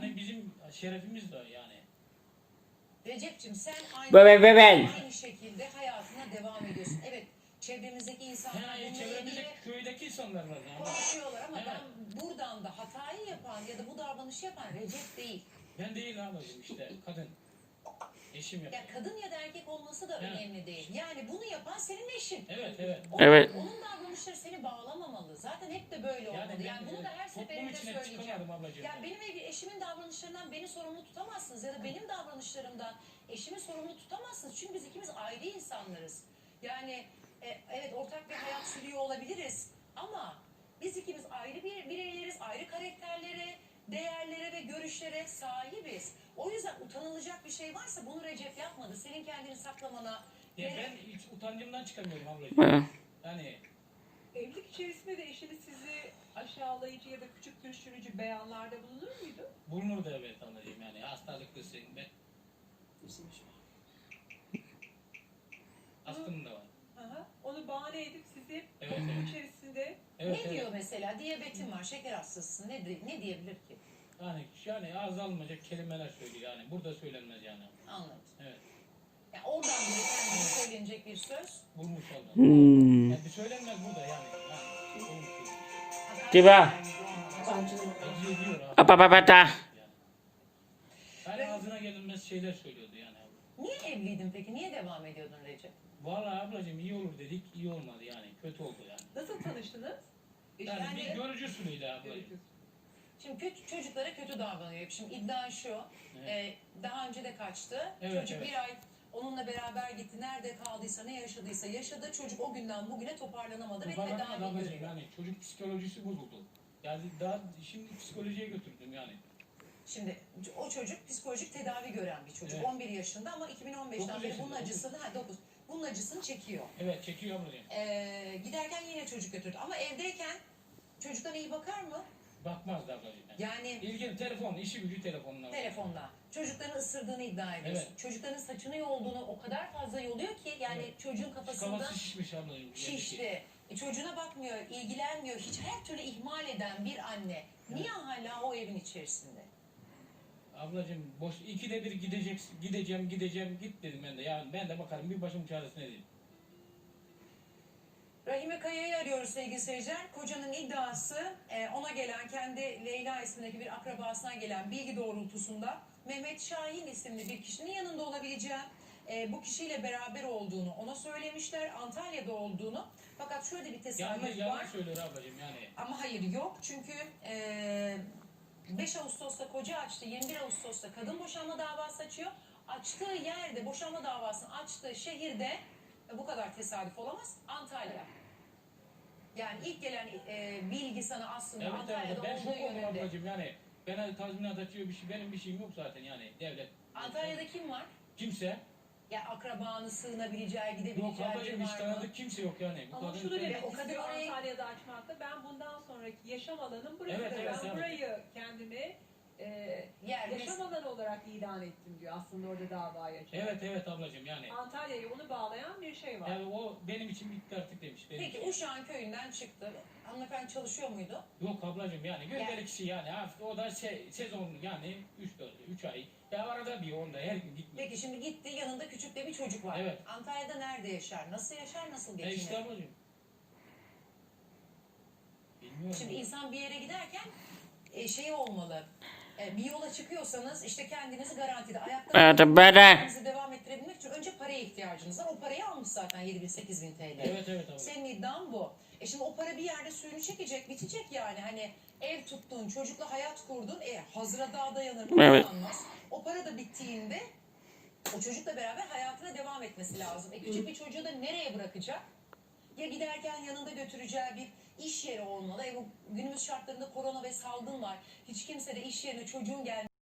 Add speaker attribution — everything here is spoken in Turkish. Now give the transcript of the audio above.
Speaker 1: Yani bizim şerefimiz de yani.
Speaker 2: Recep'ciğim sen
Speaker 3: Ben.
Speaker 2: aynı şekilde hayatına devam ediyorsun. Evet, çevremizdeki insanlar
Speaker 1: Yani
Speaker 2: bununla ilgili
Speaker 1: çevremizde köydeki insanlar var yani.
Speaker 2: konuşuyorlar ama
Speaker 1: Evet.
Speaker 2: ben buradan da hatayı yapan ya da bu davranışı yapan Recep değil.
Speaker 1: Ben değil ablacığım işte kadın. Eşim yapıyor.
Speaker 2: Ya kadın ya da erkek olması da
Speaker 1: Evet.
Speaker 2: önemli değil. Yani bunu yapan senin eşin.
Speaker 1: Evet evet.
Speaker 3: Evet.
Speaker 2: Onun davranışları seni bağlamamalı. Zaten hep de böyle olmalı. Yani bunu da her
Speaker 1: toplum
Speaker 2: seferinde
Speaker 1: içine
Speaker 2: söyleyeceğim.
Speaker 1: çıkamadım ablacığım.
Speaker 2: Yani benim eşimin davranışlarından beni sorumlu tutamazsınız ya da benim davranışlarımdan eşimi sorumlu tutamazsınız. Çünkü biz ikimiz ayrı insanlarız. Yani evet ortak bir hayat sürüyor olabiliriz ama biz ikimiz ayrı bireyleriz, ayrı karakterlere, değerlere ve görüşlere sahibiz. O yüzden utanılacak bir şey varsa bunu Recep yapmadı. Senin kendini saklamana.
Speaker 1: Ya ben hiç utancımdan çıkamıyorum ablacığım. Yani
Speaker 4: Evlilik içerisinde de eşiniz sizi aşağılayıcı ya da küçük düşürücü beyanlarda bulunur muydu?
Speaker 1: bulunur da evet ablacığım yani hastalıklısın. Astım da var.
Speaker 4: Onu bahane edip sizi
Speaker 1: Evet,
Speaker 4: toplum
Speaker 1: evet.
Speaker 4: içerisinde
Speaker 1: Evet,
Speaker 2: Ne diyor mesela? Diyabetin var, şeker hastasısın. Ne diyebilir ki?
Speaker 1: Yani ağız alınmayacak kelimeler söylüyor yani. Burada söylenmez yani.
Speaker 2: Anladım.
Speaker 1: Evet.
Speaker 2: Yani oradan bile kendine söylenecek bir söz.
Speaker 1: Bulmuş oldum.
Speaker 3: Hmm.
Speaker 1: Yani bir söylenmez burada yani. Bulmuş.
Speaker 3: Diba.
Speaker 1: Acı ediyor abi.
Speaker 3: Apapapata.
Speaker 1: Yani. Yani ağzına gelinmez şeyler söylüyordu yani.
Speaker 2: Niye evliydin peki? Niye devam ediyordun Recep?
Speaker 1: Vallahi ablacığım iyi olur dedik, iyi olmadı yani. Kötü oldu yani.
Speaker 4: nasıl tanıştınız?
Speaker 1: Yani bir görücü usulüydü ablacığım.
Speaker 2: Şimdi çocuklara kötü davranıyor. Şimdi iddia şu.
Speaker 1: Evet.
Speaker 2: Daha önce de kaçtı.
Speaker 1: Evet,
Speaker 2: Çocuk
Speaker 1: evet.
Speaker 2: bir ay onunla beraber gitti. Nerede kaldıysa, ne yaşadıysa yaşadı. Çocuk o günden bugüne toparlanamadı ve
Speaker 1: Toparlanamadı
Speaker 2: tedavi
Speaker 1: ablacığım
Speaker 2: görüyor.
Speaker 1: yani. Çocuk psikolojisi bozuldu. Yani daha şimdi psikolojiye götürdüm yani.
Speaker 2: Şimdi o çocuk psikolojik tedavi gören bir çocuk.
Speaker 1: Evet.
Speaker 2: 11 yaşında ama 2015'ten
Speaker 1: Dokuz
Speaker 2: beri
Speaker 1: yaşında,
Speaker 2: bunun acısını, 9. Bunun acısını çekiyor.
Speaker 1: Evet çekiyor ablacığım.
Speaker 2: Giderken yine çocuk götürdü. Ama evdeyken çocuktan iyi bakar mı?
Speaker 1: Bakmazdı ablacığım.
Speaker 2: Yani
Speaker 1: İlgili telefon, işi gücü telefonla.
Speaker 2: telefonla. Çocukların ısırdığını iddia ediyorsun.
Speaker 1: Evet.
Speaker 2: Çocukların saçını yolduğunu o kadar fazla yoluyor ki yani
Speaker 1: Evet.
Speaker 2: çocuğun kafasında
Speaker 1: Kafası şişmiş ablacığım.
Speaker 2: şişti. Çocuğuna bakmıyor, ilgilenmiyor. Hiç her türlü ihmal eden bir anne niye hala o evin içerisinde?
Speaker 1: Ablacığım boş ikide bir gideceğim git dedim ben de. Yani ben de bakarım bir başım çaresine dedim.
Speaker 2: Rahime Kaya'yı arıyoruz sevgili seyirciler. Kocanın iddiası ona gelen kendi Leyla ismindeki bir akrabasına gelen bilgi doğrultusunda Mehmet Şahin isimli bir kişinin yanında olabileceği, bu kişiyle beraber olduğunu ona söylemişler. Antalya'da olduğunu. Fakat şöyle bir tesadüf var.
Speaker 1: Yanlış söylüyor ablacığım yani.
Speaker 2: Ama hayır yok. Çünkü 5 Ağustos'ta koca açtı. 21 Ağustos'ta kadın boşanma davası açıyor. Açtığı yerde boşanma davasını açtığı şehirde bu kadar tesadüf olamaz. Antalya. Yani ilk gelen bilgi sana aslında
Speaker 1: Evet
Speaker 2: Antalya'da
Speaker 1: ben
Speaker 2: olduğu
Speaker 1: şok oldum
Speaker 2: yönünde.
Speaker 1: ablacığım yani. Bana tazminat atıyor bir şey benim bir şeyim yok zaten yani devlet.
Speaker 2: Antalya'da kim var?
Speaker 1: Kimse.
Speaker 2: Ya akrabanı sığınabileceği,
Speaker 1: Yok
Speaker 2: gidebileceği
Speaker 1: ablacığım
Speaker 2: biri
Speaker 1: hiç
Speaker 2: var mı?
Speaker 1: tanıdık kimse yok yani. Bu
Speaker 4: Ama
Speaker 1: kadın
Speaker 4: şunu
Speaker 1: sen-
Speaker 4: demek
Speaker 2: o kadın
Speaker 4: istiyor
Speaker 2: orayı-
Speaker 4: Antalya'da açmakta. Ben bundan sonraki yaşam alanım burası.
Speaker 1: Evet, evet,
Speaker 4: ben
Speaker 1: evet.
Speaker 4: burayı kendime yaşam alanı olarak ilan ettim diyor aslında orada davayı açarak.
Speaker 1: Evet ablacığım yani.
Speaker 4: Antalya'yı onu bağlayan bir şey var.
Speaker 1: Yani o benim için bitti artık demiş. Benim
Speaker 2: Peki
Speaker 1: için.
Speaker 2: Uşak'ın köyünden çıktı. Hanımefendi çalışıyor muydu?
Speaker 1: Yok ablacığım yani gündelik işi yani hafta o da sezon yani 3 ay. Ya arada bir onda her gün gitmiyor.
Speaker 2: Peki şimdi gitti yanında küçük de bir çocuk var.
Speaker 1: Evet.
Speaker 2: Antalya'da nerede yaşar? Nasıl yaşar? Nasıl geçinir?
Speaker 1: İşte ablacığım. Bilmiyorum.
Speaker 2: Şimdi insan bir yere giderken şey olmalı. Bir yola çıkıyorsanız işte kendinizi garantide ayakta kendinizi devam ettirebilmek için önce paraya ihtiyacınız var. O parayı almış zaten 7.000-8.000 TL.
Speaker 1: Evet abla.
Speaker 2: Senin iddian bu. Şimdi o para bir yerde suyunu çekecek, bitecek yani. Hani ev tuttun, çocukla hayat kurdun. Hazıra daha dayanır mı?
Speaker 3: Evet.
Speaker 2: Dayanmaz. O para da bittiğinde o çocukla beraber hayatına devam etmesi lazım. Küçük bir çocuğu da nereye bırakacak? Ya giderken yanında götüreceği bir iş yeri olmalı. Bu günümüz şartlarında korona ve salgın var. Hiç kimse de iş yerine çocuğun gelmesi